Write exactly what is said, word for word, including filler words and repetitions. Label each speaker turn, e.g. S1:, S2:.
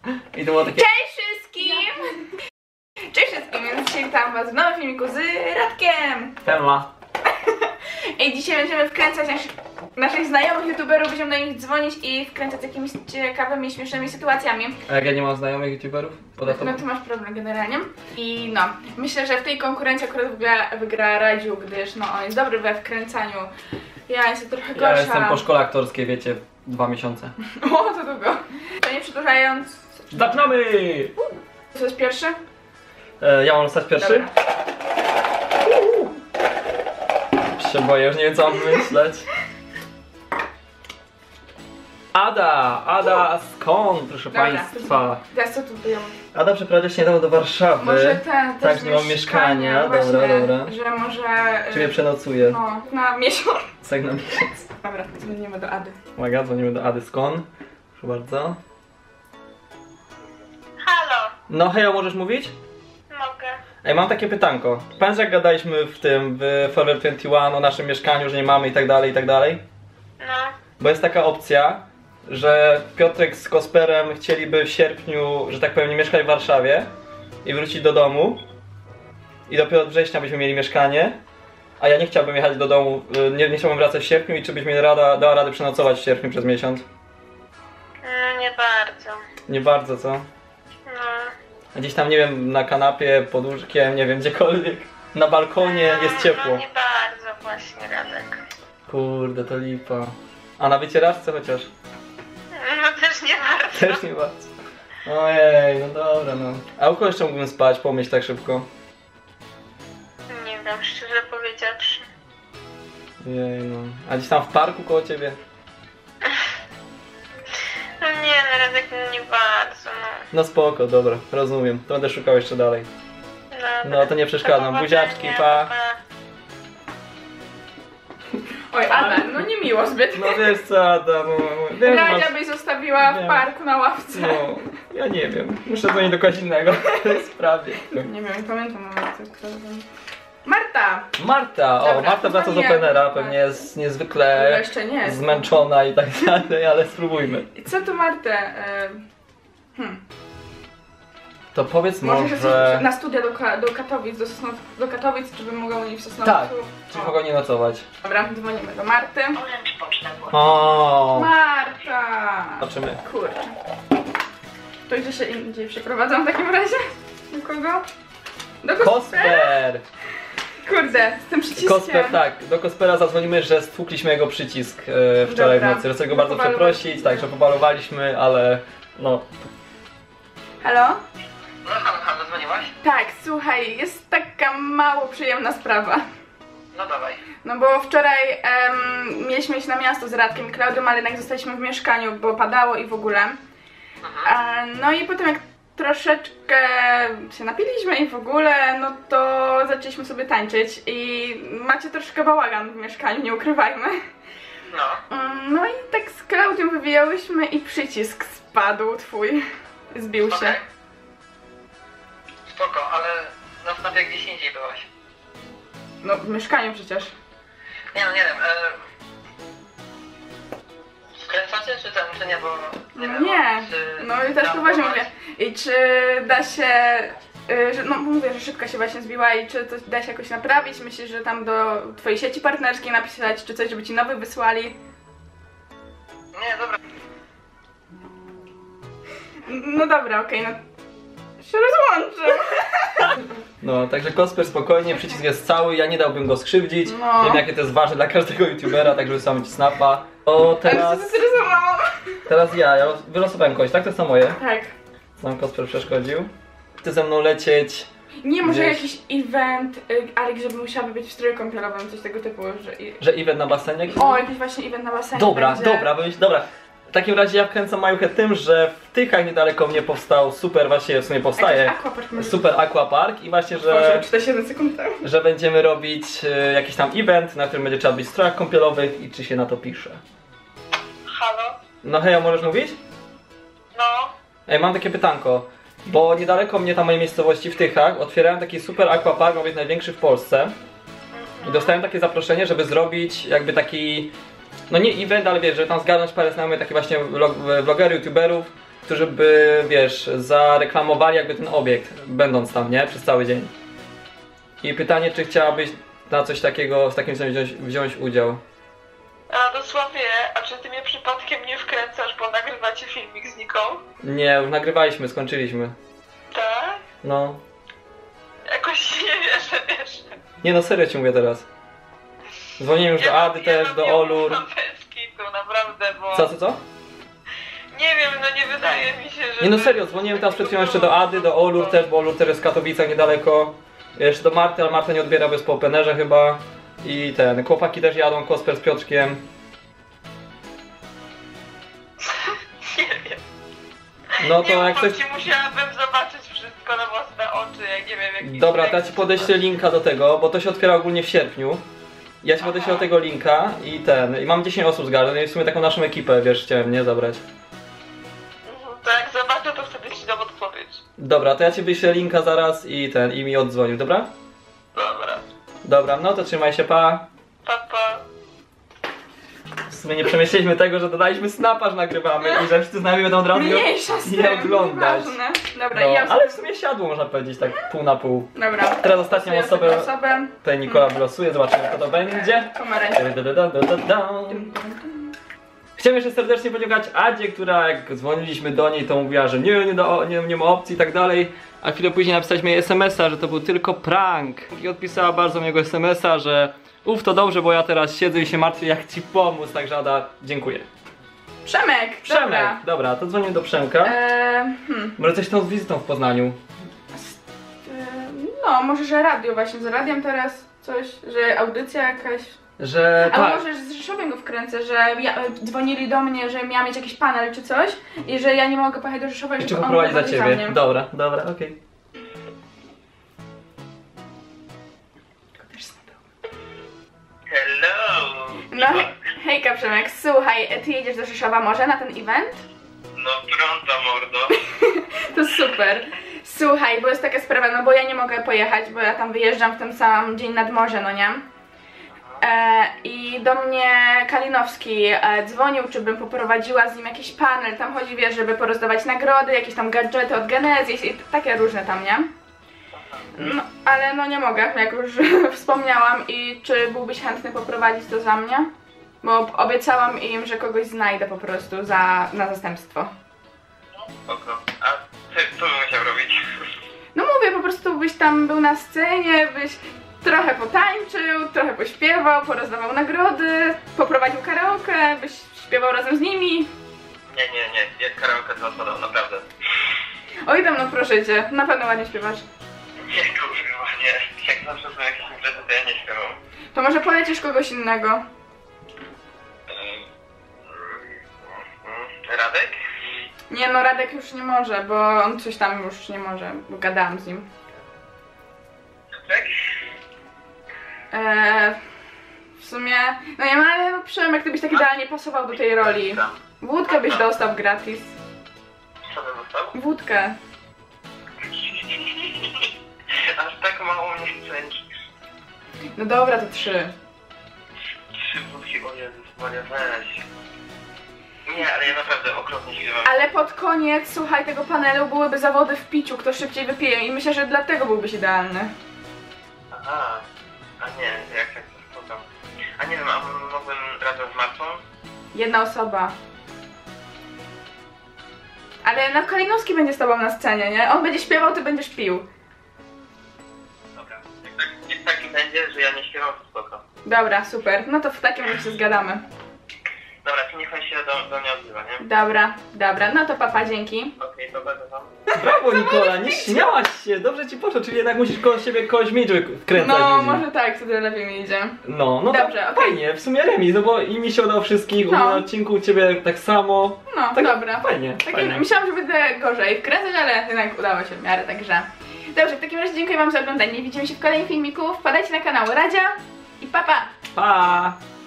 S1: I to było takie...
S2: Cześć wszystkim! Cześć wszystkim, więc dzisiaj witam was w nowym filmiku z Radkiem!
S1: Siema.
S2: I dzisiaj będziemy wkręcać nasz, naszych znajomych youtuberów, będziemy do nich dzwonić i wkręcać jakimiś ciekawymi, śmiesznymi sytuacjami.
S1: A jak ja nie mam znajomych youtuberów? Poza
S2: No ty masz problem generalnie. I no, myślę, że w tej konkurencji akurat wygra, wygra Radziu, gdyż no on jest dobry we wkręcaniu. Ja jestem trochę gorsza.
S1: Ja jestem po szkole aktorskiej, wiecie, dwa miesiące.
S2: O, to długo. To nie przedłużając...
S1: Zaczynamy!
S2: Co jest pierwszy?
S1: E, ja mam stać pierwszy?
S2: Dobra.
S1: Się boję, już nie wiem co mam myśleć. Ada! Ada, skąd, proszę
S2: Dobra,
S1: państwa?
S2: Teraz co tu było?
S1: Ada przeprowadza się niedawno do Warszawy.
S2: Może ten też
S1: Tak, nie mam mieszkania,
S2: właśnie,
S1: dobra, dobra.
S2: Że może...
S1: Czy mnie przenocuje?
S2: No, na miesiąc.
S1: Tak na miesiąc.
S2: Dobra, dzwonimy do Ady.
S1: Uwaga, dzwonimy do Ady, skąd? Proszę bardzo.
S3: Halo,
S1: No hejo, możesz mówić?
S3: mogę.
S1: Ej, mam takie pytanko. Pamiętasz jak gadaliśmy w tym, w Forever dwadzieścia jeden o naszym mieszkaniu, że nie mamy i tak dalej, i tak dalej?
S3: No,
S1: Bo jest taka opcja, że Piotrek z Kosperem chcieliby w sierpniu, że tak powiem, nie mieszkać w Warszawie i wrócić do domu. I dopiero od września byśmy mieli mieszkanie. A ja nie chciałbym jechać do domu, nie, nie chciałbym wracać w sierpniu i czy byś mi rada, dała radę przenocować w sierpniu przez miesiąc?
S3: no nie bardzo.
S1: Nie bardzo, co?
S3: No,
S1: Gdzieś tam, nie wiem, na kanapie, pod łóżkiem, nie wiem, gdziekolwiek. Na balkonie
S3: no,
S1: jest ciepło.
S3: No nie bardzo właśnie, Radek.
S1: Kurde, to lipa. A na wycieraczce chociaż?
S3: No też nie bardzo.
S1: Też nie bardzo. Ojej, no dobra, no. A u kogo jeszcze mógłbym spać? Pomyśl tak szybko.
S3: Nie wiem, szczerze powiedziawszy.
S1: Jej, no. A gdzieś tam w parku koło ciebie?
S3: No nie, no Radek, no nie bardzo, no.
S1: No spoko, dobra, rozumiem. To będę szukał jeszcze dalej.
S3: Dobra.
S1: No to nie przeszkadzam.
S3: Do
S1: Buziaczki,
S3: powodzenia,
S1: pa.
S2: Oj, Ada, no nie miło zbyt.
S1: No wiesz co, Adam, no, wiem, że
S2: Radzia
S1: masz...
S2: byś zostawiła w
S1: Wiem.
S2: parku na ławce.
S1: No, ja nie wiem. Muszę dzwonić do kogoś innego w tej sprawie.
S2: Nie wiem, nie pamiętam nawet kto to był. Marta!
S1: Marta, o,
S2: Dobra,
S1: Marta wraca z
S2: dzwonię.
S1: Openera, pewnie jest
S2: No
S1: niezwykle
S2: jeszcze nie.
S1: zmęczona i tak dalej, ale spróbujmy.
S2: I co tu Martę? E, Hmm.
S1: To powiedz
S2: Może,
S1: może...
S2: że coś na studia do, Ka- do Katowic, do, Sosnow- do Katowic, czy bym mogła u niej w Sosnowcu?
S1: Tak, czy
S2: O.
S1: mogą nie nocować?
S2: Dobra, dzwonimy do Marty.
S3: Oręcz poczta była.
S1: O,
S2: Marta!
S1: zobaczymy.
S2: Kurczę. To gdzie się indziej przeprowadzam w takim razie? Do kogo? Do Kospera?
S1: Kosper!
S2: Kurde, z tym przyciskiem.
S1: Kosper, tak, do Kospera zadzwonimy, że stłukliśmy jego przycisk e, wczoraj
S2: Dobra.
S1: w nocy. Chcę go bardzo
S2: Pobalowaliśmy.
S1: przeprosić, tak, że pobalowaliśmy, ale no.
S2: Halo?
S4: No halo, halo, dzwoniłaś?
S2: Tak, słuchaj, jest taka mało przyjemna sprawa.
S4: No dawaj.
S2: No bo wczoraj em, mieliśmy iść na miasto z Radkiem i Klaudią, ale jednak zostaliśmy w mieszkaniu, bo padało i w ogóle. E, no i potem jak troszeczkę się napiliśmy i w ogóle, no to zaczęliśmy sobie tańczyć i macie troszkę bałagan w mieszkaniu, nie ukrywajmy.
S4: No.
S2: Mm, No i tak z Klaudią wywijałyśmy i przycisk spadł twój, zbił się.
S4: Okej. Spoko, ale nastaw jak gdzieś indziej byłaś.
S2: No w mieszkaniu przecież.
S4: Nie no, nie wiem, e... Wkręcacie czy ten, czy nie, bo... Nie, wiem,
S2: Nie,
S4: czy
S2: no i też
S4: tam
S2: poważnie
S4: byłaś?
S2: mówię. I czy da się, y, że, no mówię, że szybko się właśnie zbiła i czy to da się jakoś naprawić? Myślisz, że tam do twojej sieci partnerskiej napisać, czy coś, żeby ci nowy wysłali?
S4: Nie, dobra.
S2: No dobra, okej, no się rozłączę.
S1: No, także Kosper spokojnie, przycisk jest cały, ja nie dałbym go skrzywdzić.
S2: No.
S1: Wiem jakie to jest ważne dla każdego youtubera, tak żeby sam ci snapa. O,
S2: Ale się
S1: teraz,
S2: zestresowałam.
S1: teraz ja, ja los- wylosowałem kogoś, tak? To jest to moje.
S2: Tak.
S1: Co nam Kosper przeszkodził. Chce ze mną lecieć.
S2: Nie, może
S1: Gdzieś.
S2: jakiś event, y, ale żeby musiałaby być w stroju kąpielowym, coś tego typu, że... i-
S1: Że event na basenie?
S2: O, jakiś właśnie event na basenie
S1: Dobra,
S2: będzie.
S1: dobra, myśl, dobra. W takim razie ja wkręcam Majuchę tym, że w Tychach niedaleko mnie powstał super, właśnie w sumie powstaje
S2: Jakiś aquapark może
S1: super aquapark i właśnie,
S2: Boże,
S1: że,
S2: czterdzieści jeden sekund temu.
S1: że będziemy robić e, jakiś tam event, na którym będzie trzeba być w strojach kąpielowych i czy się na to pisze.
S3: Halo?
S1: No hej, możesz mówić?
S3: No,
S1: Ej, mam takie pytanko, bo niedaleko mnie tam mojej miejscowości w Tychach otwierałem taki super aquapark, ma być największy w Polsce i dostałem takie zaproszenie, żeby zrobić jakby taki, no nie event, ale wiesz, żeby tam zgarnąć parę znajomych, takich właśnie vlog, vlogerów, youtuberów którzy by, wiesz, zareklamowali jakby ten obiekt, będąc tam, nie? Przez cały dzień. I pytanie, czy chciałabyś na coś takiego, z takim wziąć, wziąć udział?
S3: A dosłownie, a czy ty mnie przypadkiem nie wkręcasz, bo nagrywacie filmik z Niką?
S1: Nie, już nagrywaliśmy, skończyliśmy.
S3: Tak?
S1: No.
S3: Jakoś nie wierzę, wiesz.
S1: Nie no, serio ci mówię teraz. Dzwoniłem już do Ady też, do Olur.
S3: Bez kitu, naprawdę, bo...
S1: Co, co, co?
S3: Nie wiem, no nie wydaje mi się, że...
S1: Nie no serio, dzwoniłem teraz przed chwilą jeszcze do Ady, do Olur też, bo Olur też jest w Katowicach niedaleko. Jeszcze do Marty, ale Marta nie odbiera, bez po openerze chyba. I ten, chłopaki też jadą, Kosper z Piotrkiem.
S3: Nie wiem.
S1: No to
S3: nie
S1: jak
S3: ufam
S1: ktoś...
S3: ci, musiałabym zobaczyć wszystko na własne oczy, jak nie wiem, jakiś
S1: Dobra, to ja
S3: tekst
S1: ci
S3: czy
S1: podeślę
S3: coś.
S1: linka do tego, bo to się otwiera ogólnie w sierpniu. Ja ci podeślę do tego linka i ten, i mam dziesięć osób zgarnę, no i w sumie taką naszą ekipę, wiesz, chciałem, nie, zabrać.
S3: Mhm, to jak zobaczę, to wtedy ci dam odpowiedź.
S1: Dobra, to ja ci wyślę linka zaraz i ten, i mi oddzwonił, dobra?
S3: Dobra.
S1: Dobra, no to trzymaj się, pa.
S3: Pa, pa.
S1: W sumie nie przemyśleliśmy tego, że dodaliśmy snapa, że nagrywamy i że wszyscy z nami będą od razu
S2: Mniejsza z
S1: nie
S2: tym,
S1: oglądać.
S2: nieważne. Dobra,
S1: No,
S2: ja...
S1: ale w sumie siadło, można powiedzieć, tak pół na pół.
S2: Dobra.
S1: Teraz ostatnią
S2: Losuję sobie
S1: osobę,
S2: osobę.
S1: tutaj Nikola wylosuje, zobaczymy kto to będzie.
S2: Pomarańczowy.
S1: Chciałem jeszcze serdecznie podziękować Adzie, która jak dzwoniliśmy do niej, to mówiła, że nie, nie, do, nie, nie ma opcji i tak dalej. A chwilę później napisaliśmy jej es em es a, że to był tylko prank. I odpisała bardzo miłego es em es a, że uff, to dobrze, bo ja teraz siedzę i się martwię, jak ci pomóc. Także Ada, dziękuję.
S2: Przemek,
S1: Przemek,
S2: dobra.
S1: dobra, to dzwonię do Przemka.
S2: Eee, hmm.
S1: Może coś tam z wizytą w Poznaniu.
S2: Eee, no, może, że radio właśnie, z radiem teraz coś, że audycja jakaś.
S1: Że
S2: A
S1: tak.
S2: może z Rzeszowem go wkręcę, że ja, e, dzwonili do mnie, że miała mieć jakiś panel czy coś i że ja nie mogę pojechać do Rzeszowa i
S1: Czy
S2: żeby on
S1: poprowadzi za
S2: prowadził
S1: ciebie?
S2: mnie.
S1: Dobra, dobra, okej.
S4: Hello!
S2: No, hejka Przemek, słuchaj, ty jedziesz do Rzeszowa może na ten event?
S4: No pronto, mordo.
S2: To super. Słuchaj, bo jest taka sprawa, no bo ja nie mogę pojechać, bo ja tam wyjeżdżam w ten sam dzień nad morze, no nie? E, I do mnie Kalinowski e, dzwonił, czy bym poprowadziła z nim jakiś panel, tam chodzi, wiesz, żeby porozdawać nagrody, jakieś tam gadżety od Genesis i takie różne tam, nie? No, ale no nie mogę, jak już wspomniałam. I czy byłbyś chętny poprowadzić to za mnie? Bo obiecałam im, że kogoś znajdę po prostu za, na zastępstwo.
S4: Spoko. A ty co bym musiał robić?
S2: No mówię, po prostu byś tam był na scenie, byś trochę potańczył, trochę pośpiewał, porozdawał nagrody, poprowadził karaoke, byś śpiewał razem z nimi.
S4: Nie, nie, nie, jak karaoke to odpadał, naprawdę.
S2: Oj tam, no proszę cię, na pewno ładnie śpiewasz.
S4: Nie, kurwa, nie. Jak zawsze są jakieś imprezy, to ja nie śpiewam.
S2: To może polecisz kogoś innego?
S4: Ym, Radek?
S2: Nie no, Radek już nie może, bo on coś tam już nie może, bo gadałam z nim.
S4: Tak?
S2: Eee, w sumie, no nie ma, ale no Przemek, ty byś tak idealnie pasował do tej roli. Wódkę byś dostał gratis.
S4: Co bym dostał?
S2: Wódkę.
S4: Aż tak mało mnie wkręcisz.
S2: No dobra, to trzy.
S4: Trzy wódki, o Jezus Maria, weź. Nie, ale ja naprawdę okropnie śpiewam.
S2: Ale pod koniec, słuchaj, tego panelu byłyby zawody w piciu, kto szybciej wypije i myślę, że dlatego byłbyś idealny.
S4: Aha, a nie, jak tak to spoko. A nie wiem, a mógłbym razem z Martą?
S2: Jedna osoba. Ale no Kalinowski będzie z tobą na scenie, nie? On będzie śpiewał, ty będziesz pił.
S4: Dobra, jak tak, jak tak będzie, że ja nie śpiewam, to spoko.
S2: Dobra, super. No to w takim razie się zgadamy.
S4: Dobra, to niech on się do, do mnie odzywa, nie?
S2: Dobra, dobra. No to papa, dzięki.
S4: Okej, okay, dobra, to tam.
S1: Brawo Nikola, nie śmiałaś się, dobrze ci poszło, czyli jednak musisz koło siebie kogoś mieć, żeby wkręcać
S2: No,
S1: ludzi.
S2: może tak, wtedy lepiej mi idzie.
S1: No, no
S2: Dobrze,
S1: to
S2: okej.
S1: fajnie, w sumie remis, no bo i mi się udało wszystkich,
S2: No.
S1: na odcinku u ciebie tak samo.
S2: No,
S1: Tak,
S2: dobra.
S1: fajnie,
S2: Takim,
S1: fajnie.
S2: myślałam, że będę gorzej wkręcać, ale jednak udało się w miarę, także... Dobrze, w takim razie dziękuję wam za oglądanie. Widzimy się w kolejnym filmiku. Wpadajcie na kanał Radzia i papa!
S1: Pa!